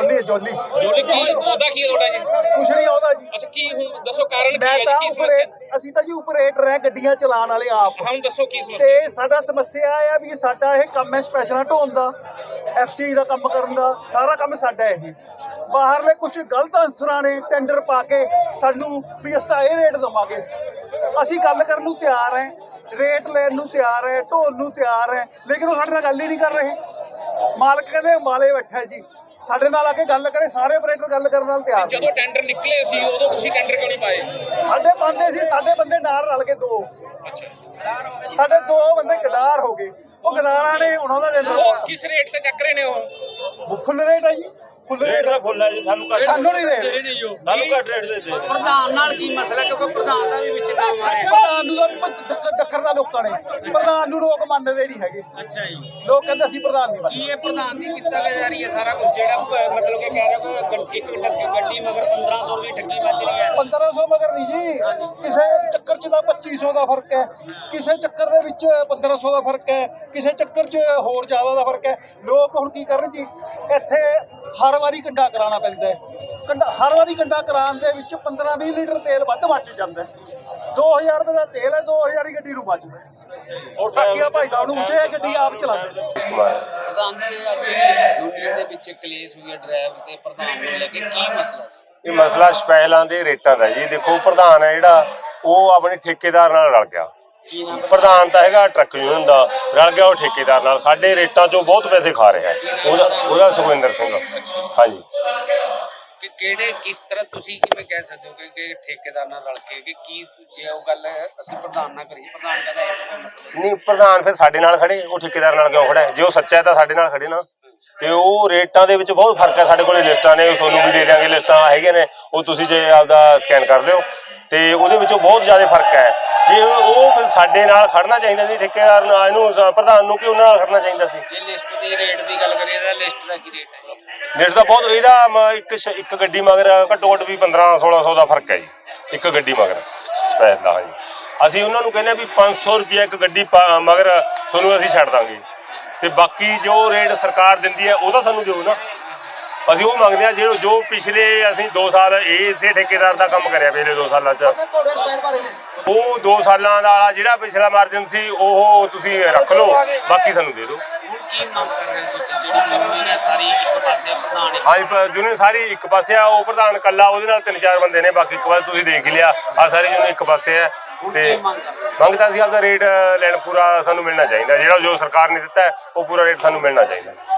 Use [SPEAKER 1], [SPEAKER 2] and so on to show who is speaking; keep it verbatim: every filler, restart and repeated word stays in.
[SPEAKER 1] Jolie Jolie
[SPEAKER 2] Jolie ਕੀ ਉਹਦਾ ਕੀ ਤੁਹਾਡਾ ਜੀ?
[SPEAKER 1] ਕੁਛ ਨਹੀਂ ਆਉਂਦਾ ਜੀ।
[SPEAKER 2] ਅੱਛਾ ਕੀ ਹੁਣ ਦੱਸੋ ਕਾਰਨ ਕੀ
[SPEAKER 1] ਮੈਂ
[SPEAKER 2] ਹੈ
[SPEAKER 1] ਤਾਂ
[SPEAKER 2] ਜੀ? ਕੀ ਸਮੱਸਿਆ?
[SPEAKER 1] ਉਪਰੇਟ ਅਸੀਂ ਤਾਂ ਜੀ ਉਪਰੇਟਰ ਹੈ, ਗੱਡੀਆਂ ਚਲਾਉਣ ਵਾਲੇ ਆਪ।
[SPEAKER 2] ਹੁਣ ਦੱਸੋ ਕੀ ਸਮੱਸਿਆ?
[SPEAKER 1] ਤੇ ਸਾਡਾ ਸਮੱਸਿਆ ਆ ਵੀ ਸਾਡਾ ਇਹ ਕੰਮ ਹੈ ਸਪੈਸ਼ਲਾਂ ਢੋਣ ਦਾ, ਐਫ ਸੀ ਦਾ ਕੰਮ ਕਰਨ ਦਾ, ਸਾਰਾ ਕੰਮ ਸਾਡਾ ਇਹ। ਬਾਹਰਲੇ ਕੁਝ ਗਲਤ ਅਨਸਰਾਂ ਨੇ ਟੈਂਡਰ ਪਾ ਕੇ ਸਾਨੂੰ ਵੀ ਅਸੀਂ ਇਹ ਰੇਟ ਦੇਵਾਂਗੇ। ਅਸੀਂ ਗੱਲ ਕਰਨ ਨੂੰ ਤਿਆਰ ਹੈ, ਰੇਟ ਲੈਣ ਨੂੰ ਤਿਆਰ ਹੈ, ਢੋਣ ਨੂੰ ਤਿਆਰ ਹੈ, ਲੇਕਿਨ ਉਹ ਸਾਡੇ ਨਾਲ ਗੱਲ ਹੀ ਨਹੀਂ ਕਰ ਰਹੇ। ਮਾਲਕ ਕਹਿੰਦੇ ਮਾਲੇ ਬੈਠਾ ਜੀ, ਸਾਡੇ ਨਾਲ ਆ ਕੇ ਗੱਲ ਕਰੇ। ਸਾਰੇ ਆਪਰੇਟਰ ਗੱਲ ਕਰਨ ਨਾਲ ਤਿਆਰ।
[SPEAKER 2] ਜਦੋਂ ਟੈਂਡਰ ਨਿਕਲੇ ਸੀ ਉਦੋਂ ਤੁਸੀਂ ਟੈਂਡਰ ਕਿਉਂ ਨਹੀਂ ਪਾਏ?
[SPEAKER 1] ਸਾਡੇ ਬੰਦੇ ਸੀ, ਸਾਡੇ ਬੰਦੇ ਨਾਲ ਰਲ ਕੇ ਦੋ,
[SPEAKER 2] ਅੱਛਾ
[SPEAKER 1] ਸਾਡੇ ਦੋ ਬੰਦੇ ਗਦਾਰ ਹੋ ਗਏ। ਉਹ ਗਦਾਰਾਂ ਨੇ ਉਹਨਾਂ ਦਾ ਟੈਂਡਰ
[SPEAKER 2] ਉਹ ਕਿਸ ਰੇਟ ਤੇ ਚੱਕ ਰਹੇ ਨੇ? ਉਹ
[SPEAKER 1] ਫੁੱਲ ਰੇਟ ਹੈ ਜੀ, ਫੁੱਲ ਰੇਟ
[SPEAKER 3] ਦਾ ਫੁੱਲ ਹੈ ਜੀ। ਸਾਨੂੰ ਘੱਟ
[SPEAKER 1] ਸਾਨੂੰ ਨਹੀਂ ਦੇ ਰਹੇ।
[SPEAKER 3] ਸਾਨੂੰ ਘੱਟ ਰੇਟ ਦੇ ਦੇ।
[SPEAKER 4] ਪ੍ਰਧਾਨ ਨਾਲ ਕੀ ਮਸਲਾ, ਕਿਉਂਕਿ ਪ੍ਰਧਾਨ ਦਾ ਵੀ ਵਿੱਚ ਨਾਮ ਆ ਰਿਹਾ।
[SPEAKER 1] ਪ੍ਰਧਾਨ ਨੂੰ ਤਾਂ ਦੱਕ- ਦੱਕਰ ਦਾ ਲੋਕਾਂ ਨੇ, ਪ੍ਰਧਾਨ ਨੂੰ ਲੋਕ ਮੰਨਦੇ ਨਹੀਂ ਹੈਗੇ।
[SPEAKER 4] ਅੱਛਾ ਜੀ,
[SPEAKER 1] ਲੋਕ ਕਹਿੰਦੇ ਅਸੀਂ ਪ੍ਰਧਾਨ ਨਹੀਂ
[SPEAKER 4] ਕੀ
[SPEAKER 1] ਮੰਨਦੇ।
[SPEAKER 4] ਇਹ ਪ੍ਰਧਾਨ ਦੀ ਕੀਤਾ ਜਾ ਰਹੀ ਹੈ ਸਾਰਾ ਕੁਝ, ਜਿਹੜਾ ਪ- ਮਤਲਬ ਕਿ ਕਹਿ ਰਹੇ ਹੋ ਕਿ ਗੱਡੀ- ਇੱਕ ਟੱਕੀ ਗੱਡੀ ਮਗਰ ਪੰਦਰਾਂ ਸੌ ਰੁਪਏ ਠੱਗੀ ਵੱਜ ਰਹੀ ਹੈ?
[SPEAKER 1] ਪੰਦਰਾਂ ਸੌ ਮਗਰ ਨਹੀਂ ਜੀ, ਕਿਸੇ ਚੱਕਰ 'ਚ ਤਾਂ ਪੱਚੀ ਸੌ ਦਾ ਫਰਕ ਹੈ, ਕਿਸੇ ਚੱਕਰ ਦੇ ਵਿੱਚ ਪੰਦਰਾਂ ਸੌ ਦਾ ਫਰਕ ਹੈ, ਕਿਸੇ ਚੱਕਰ 'ਚ ਹੋਰ ਜ਼ਿਆਦਾ ਦਾ ਫਰਕ ਹੈ। ਲੋਕ ਹੁਣ ਕੀ ਕਰਨ ਜੀ, ਇੱਥੇ ਹਰ ਵਾਰੀ ਕੰਡਾ ਕਰਾਉਣਾ ਪੈਂਦਾ ਹੈ। ਕੰਡਾ ਹਰ ਵਾਰੀ ਕੰਡਾ ਕਰਾਉਣ ਦੇ ਵਿੱਚ ਪੰਦਰਾਂ ਵੀਹ ਲੀਟਰ ਤੇਲ ਵੱਧ ਬਚ ਜਾਂਦਾ ਹੈ। ਦੋ ਹਜ਼ਾਰ ਰੁਪਏ ਦਾ ਤੇਲ ਹੈ, ਦੋ ਹਜ਼ਾਰ ਹੀ ਗੱਡੀ ਨੂੰ ਬਚਦਾ। ਬਾਕੀ ਭਾਈ ਸਾਹਿਬ ਨੂੰ ਉੱਚੇ ਗੱਡੀ ਆਪ ਚਲਾਉਂਦੇ ਨੇ।
[SPEAKER 4] ਪ੍ਰਧਾਨ ਜੀ, ਅੱਜ ਯੂਨੀਅਨ ਦੇ ਵਿੱਚ ਕਲੇਸ਼ ਹੋਈ ਹੈ ਡਰਾਈਵਰ ਤੇ ਪ੍ਰਧਾਨ ਨੂੰ ਲੈ ਕੇ, ਕੀ ਮਸਲਾ?
[SPEAKER 3] ਇਹ ਮਸਲਾ ਸਪੈਸ਼ਲਾਂ ਦੇ ਰੇਟਾਂ ਦਾ ਜੀ। ਦੇਖੋ ਪ੍ਰਧਾਨ ਹੈ ਜਿਹੜਾ, ਉਹ ਆਪਣੇ ਠੇਕੇਦਾਰ ਨਾਲ ਰਲ ਗਿਆ।
[SPEAKER 4] ਕੀ ਨਾਮ?
[SPEAKER 3] ਪ੍ਰਧਾਨ ਤਾਂ ਹੈਗਾ ਟਰੱਕ ਯੂਨੀਅਨ ਦਾ, ਰਲ ਗਿਆ ਉਹ ਠੇਕੇਦਾਰ ਨਾਲ। ਸਾਡੇ ਰੇਟਾਂ 'ਚੋਂ ਬਹੁਤ ਪੈਸੇ ਖਾ ਰਿਹਾ ਉਹਦਾ ਉਹਦਾ ਸੁਖਵਿੰਦਰ ਸਿੰਘ। ਹਾਂਜੀ,
[SPEAKER 4] ਕਿ ਕਿਹੜੇ ਕਿਸ ਤਰ੍ਹਾਂ ਤੁਸੀਂ ਕਿਵੇਂ ਕਹਿ ਸਕਦੇ ਹੋ ਕਿ ਕਿ ਠੇਕੇਦਾਰ ਨਾਲ ਰਲ ਕੇ ਕਿ ਕੀ ਜੇ ਉਹ ਗੱਲ ਹੈ ਅਸੀਂ ਪ੍ਰਧਾਨ ਨਾਲ ਕਰੀਏ, ਪ੍ਰਧਾਨ ਕਹਿੰਦਾ ਇਸ ਦਾ ਮਤਲਬ
[SPEAKER 3] ਨਹੀਂ ਪ੍ਰਧਾਨ ਫਿਰ ਸਾਡੇ ਨਾਲ ਖੜੇ, ਉਹ ਠੇਕੇਦਾਰ ਨਾਲ ਕਿਉਂ ਖੜਾ ਹੈ? ਜੇ ਉਹ ਸੱਚਾ ਹੈ ਤਾਂ ਸਾਡੇ ਨਾਲ ਖੜੇ ਨਾ। ਤੇ ਉਹ ਰੇਟਾਂ ਦੇ ਵਿੱਚ ਬਹੁਤ ਫਰਕ ਹੈ। ਸਾਡੇ ਕੋਲੇ ਲਿਸਟਾਂ ਨੇ, ਤੁਹਾਨੂੰ ਵੀ ਦੇ ਦਿਆਂਗੇ, ਲਿਸਟਾਂ ਹੈਗੇ ਨੇ, ਉਹ ਤੁਸੀਂ ਜੇ ਆਪਦਾ ਸਕੈਨ ਕਰ ਲਿਓ। ਤੇ ਉਹਦੇ ਵਿੱਚੋਂ ਬਹੁਤ ਜ਼ਿਆਦਾ ਫਰਕ ਹੈ। ਜੇ ਉਹ ਫਿਰ ਸਾਡੇ ਨਾਲ ਖੜਨਾ ਚਾਹੀਦਾ ਸੀ ਠੇਕੇਦਾਰ ਨਾਲ, ਇਹਨੂੰ ਪ੍ਰਧਾਨ ਨੂੰ, ਕਿ ਉਹਨਾਂ ਨਾਲ ਖੜਨਾ ਚਾਹੀਦਾ ਸੀ।
[SPEAKER 4] ਜੇ ਲਿਸਟ ਦੀ ਰੇਟ ਦੀ ਗੱਲ ਕਰੀਏ ਤਾਂ ਲਿਸਟ ਦਾ ਕੀ ਰੇਟ ਹੈ?
[SPEAKER 3] ਲਿਸਟ ਦਾ ਬਹੁਤ, ਇਹਦਾ ਮ- ਇੱਕ ਸ਼- ਇੱਕ ਗੱਡੀ ਮਗਰ ਘੱਟੋ ਘੱਟ ਵੀ ਪੰਦਰਾਂ ਸੋਲਾਂ ਸੌ ਦਾ ਫਰਕ ਹੈ ਜੀ, ਇੱਕ ਗੱਡੀ ਮਗਰ ਸਪੈਸ਼ਲ ਦਾ। ਹਾਂਜੀ, ਅਸੀਂ ਉਹਨਾਂ ਨੂੰ ਕਹਿੰਦੇ ਹਾਂ ਵੀ ਪੰਜ ਸੌ ਰੁਪਇਆ ਇੱਕ ਗੱਡੀ ਪਾ- ਮਗਰ ਤੁਹਾਨੂੰ ਅਸੀਂ ਛੱਡ ਦਾਂਗੇ, ਤੇ ਬਾਕੀ ਜੋ ਰੇਟ ਸਰਕਾਰ ਦਿੰਦੀ ਹੈ ਉਹ ਤਾਂ ਸਾਨੂੰ ਦਿਓ ਨਾ। ਅਸੀਂ ਉਹ ਮੰਗਦੇ ਹਾਂ ਜਿਹੜਾ ਜੋ ਪਿਛਲੇ ਅਸੀਂ ਦੋ ਸਾਲ ਇਸੇ ਠੇਕੇਦਾਰ ਦਾ ਕੰਮ ਕਰਿਆ, ਪਿਛਲੇ ਦੋ ਸਾਲਾਂ 'ਚ ਉਹ ਦੋ ਸਾਲਾਂ ਦਾ ਜਿਹੜਾ ਪਿਛਲਾ ਮਾਰਜਨ ਸੀ ਉਹ ਤੁਸੀਂ ਰੱਖ ਲਓ, ਬਾਕੀ ਸਾਨੂੰ ਦੇ ਦਿਓ।
[SPEAKER 4] ਹੁਣ ਕੀ ਮੰਗ ਕਰ ਰਹੇ ਹੋ ਤੁਸੀਂ? ਜਿਹੜੀ ਯੂਨੀਅਨ ਹੈ ਸਾਰੀ ਇੱਕ ਪਾਸੇ, ਪ੍ਰਧਾਨ ਇੱਕ
[SPEAKER 3] ਹਾਂਜੀ, ਯੂਨੀਅਨ ਸਾਰੀ ਇੱਕ ਪਾਸੇ ਆ, ਉਹ ਪ੍ਰਧਾਨ ਕੱਲਾ, ਉਹਦੇ ਨਾਲ ਤਿੰਨ ਚਾਰ ਬੰਦੇ ਨੇ, ਬਾਕੀ ਇੱਕ ਵਾਰ ਤੁਸੀਂ ਦੇਖ ਹੀ ਲਿਆ, ਆ ਸਾਰੀ ਯੂਨੀਅਨ ਇੱਕ ਪਾਸੇ ਹੈ।
[SPEAKER 4] ਹੁਣ
[SPEAKER 3] ਤੇ
[SPEAKER 4] ਕੀ ਮੰਗ ਕਰ ਰਹੇ ਹੋ?
[SPEAKER 3] ਮੰਗਦਾ ਸੀ ਆਪਦਾ ਰੇਟ ਲੈਣ ਪੂਰਾ ਸਾਨੂੰ ਮਿਲਣਾ ਚਾਹੀਦਾ, ਜਿਹੜਾ ਜੋ ਸਰਕਾਰ ਨੇ ਦਿੱਤਾ ਹੈ ਉਹ ਪੂਰਾ ਰੇਟ ਸਾਨੂੰ ਮਿਲਣਾ ਚਾਹੀਦਾ।